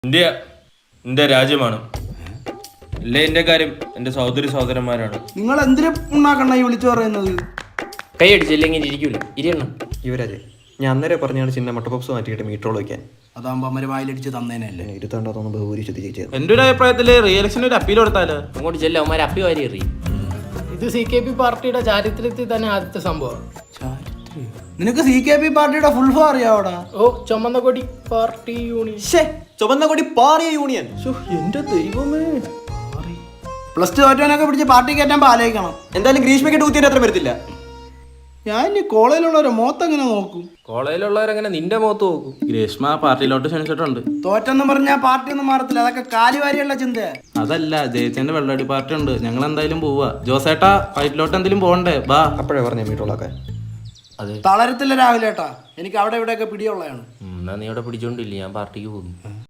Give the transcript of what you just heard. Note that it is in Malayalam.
ഇന്ത്യ എന്റെ രാജ്യമാണ്. അല്ലേ എന്റെ കാര്യം എന്റെ സഹോദരി സഹോദരന്മാരാണ്. നിങ്ങൾ എന്തിനു ഉണ്ടാക്കണ ഈ വിളിച്ചു പറയുന്നത്? കൈ അടിച്ചില്ലെങ്കിൽ ഇരിക്കൂല. ഇരിയണം. യുവരാജ്, ഞാൻ അന്നേരം പറഞ്ഞാണ് ചിന്ന മുട്ടപ്പപ്സ് മാറ്റിയിട്ട് മീറ്ററോൾ വയ്ക്കാൻ. അതാകുമ്പോ അമ്മര് വായിലടിച്ച് തന്നേനല്ലേ. ഇരുത്താണ്ടോന്ന് ബഹുഭൂരി ചോദിച്ചത്. എന്റെ ഒരു അഭിപ്രായത്തില് റിയലക്ഷന് ഒരു അപ്പീൽ കൊടുത്താലോ? അങ്ങോട്ട് ചെല്ല അവന്മാർ അപ്പി വാരി എറി. ഇത് CKP പാർട്ടിയുടെ ചാരിത്രത്തിൽ തന്നെ ആദ്യത്തെ സംഭവം. നിനക്ക് CKP പാർട്ടിയുടെ ഫുൾ ഫോം അറിയാവോടാ? ഓ, ചുമന്ന കൊടി പാർട്ടി യൂണിയൻ. ചുവന്ന കൊടി പാറിയ യൂണിയൻ. എന്റെ ദൈവമേ, +2 തോറ്റവനൊക്കെ പിടിച്ച് പാർട്ടി കയറ്റാൻ ആലോചിക്കണം. എന്തായാലും ഗ്രീഷ്മയ്ക്ക് ഊത്തിയുടെ അത്ര വരത്തില്ല. ഞാൻ ഇനി കോളേജിലുള്ളവരെ മോത്തെങ്ങനെ നോക്കും? കോളേജിലുള്ളവരങ്ങനെ നിന്റെ മുഖത്ത് നോക്കും. ഗ്രീഷ്മ പാർട്ടിയിലോട്ട് ക്ഷണിച്ചിട്ടുണ്ട്. തോറ്റെന്ന് പറഞ്ഞാൽ പാർട്ടി ഒന്നും മാറത്തില്ല. അതൊക്കെ കാലുവാരിയുള്ള ചിന്തയാ. അതല്ല, ജയിച്ചതിന്റെ വെള്ളടി പാർട്ടി ഉണ്ട്. ഞങ്ങൾ എന്തായാലും പോവാ. ജോസേട്ടാ, ഫൈറ്റിലോട്ട് എന്തെങ്കിലും പോകണ്ടേ? ബാ. അപ്പോഴേ പറഞ്ഞ മീറ്ററോളൊക്കെ തളരത്തില്ല രാവിലെ ഏട്ടാ. എനിക്ക് അവിടെ ഇവിടെയൊക്കെ പിടിയുള്ളതാണ്. എന്നാ നീ അവിടെ പിടിച്ചോണ്ടില്ല, ഞാൻ പാർട്ടിക്ക് പോകുന്നു.